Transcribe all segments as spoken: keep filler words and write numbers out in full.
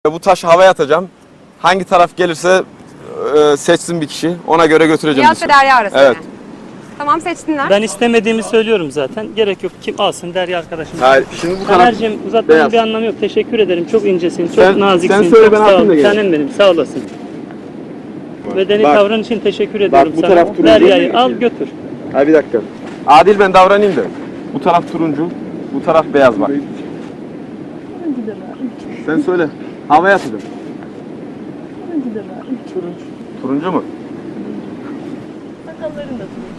Bu taşı havaya atacağım. Hangi taraf gelirse e, seçsin bir kişi. Ona göre götüreceğim. Nihat ve Derya arasında. Evet. Tamam, seçtinler. Ben istemediğimi söylüyorum zaten. Gerek yok. Kim alsın Derya arkadaşım. Hayır, şimdi bu taraf Taner'cim uzatmanın beyaz. bir anlamı yok. Teşekkür ederim. Çok incesin, çok Sen- naziksin. sen söyle, çok ben sağ atayım ol. da geleyim. Tanem benim, sağ olasın. Medeni Bak. tavrın için teşekkür ediyorum bu sana. taraf turuncu. Derya'yı al götür. Ha bir dakika. Adil ben davranayım da. Bu taraf turuncu, bu taraf beyaz bak. Sen söyle. Havaya atacağım. Turuncu. Turuncu mu? Sakalların da turuncu.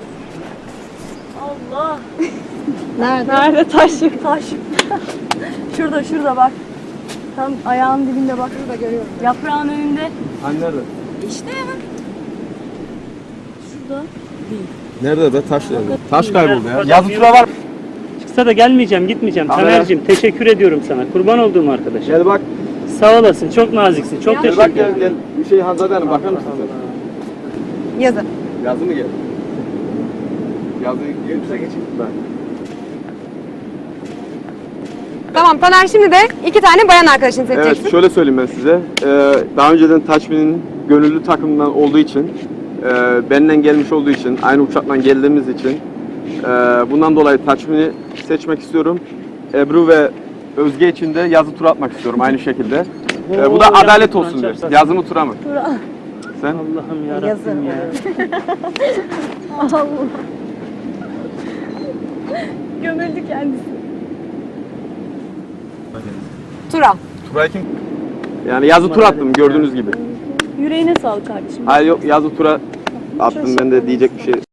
Allah. Nerede? Nerede taşlık taşlık. Şurada şurada bak. Tam ayağın dibinde bak. Şurada görüyorum. Yaprağın önünde. Hani nerede? İşte ya. Şurada. Nerede be? Taş nerede? Taş kayboldu ya. Hocam, Yazı bir- tura var. Çıksa da gelmeyeceğim, gitmeyeceğim. Haber. Taner'cim teşekkür ediyorum sana. Kurban olduğum arkadaşım. Gel bak. Sağ olasın, çok naziksin. Çok Gel teşekkür bak gel ederim. gel. Bir şey Hanzade Hanım bakar mısın sen? Yazı. Yazı mı gel? Yazı gelirse geçeyim ben. Tamam, Taner şimdi de iki tane bayan arkadaşını seçeceksin. Evet, şöyle söyleyeyim ben size. Ee, daha önceden Taçmin'in gönüllü takımından olduğu için, e, benden gelmiş olduğu için, aynı uçaktan geldiğimiz için, e, bundan dolayı Taçmin'i seçmek istiyorum. Ebru ve Özge için de yazı tura atmak istiyorum aynı şekilde. E, bu da Oo, adalet yazı olsun tura diye. çarpsın. Yazı mı tura mı? Sen? Allah'ım yarabbim ya. Allah. Gömüldü kendisi. Tura. Tura'yı kim? Yani yazı tura attım gördüğünüz gibi. Yüreğine sağlık kardeşim. Hayır yok yazı tura attım ben de diyecek bir şey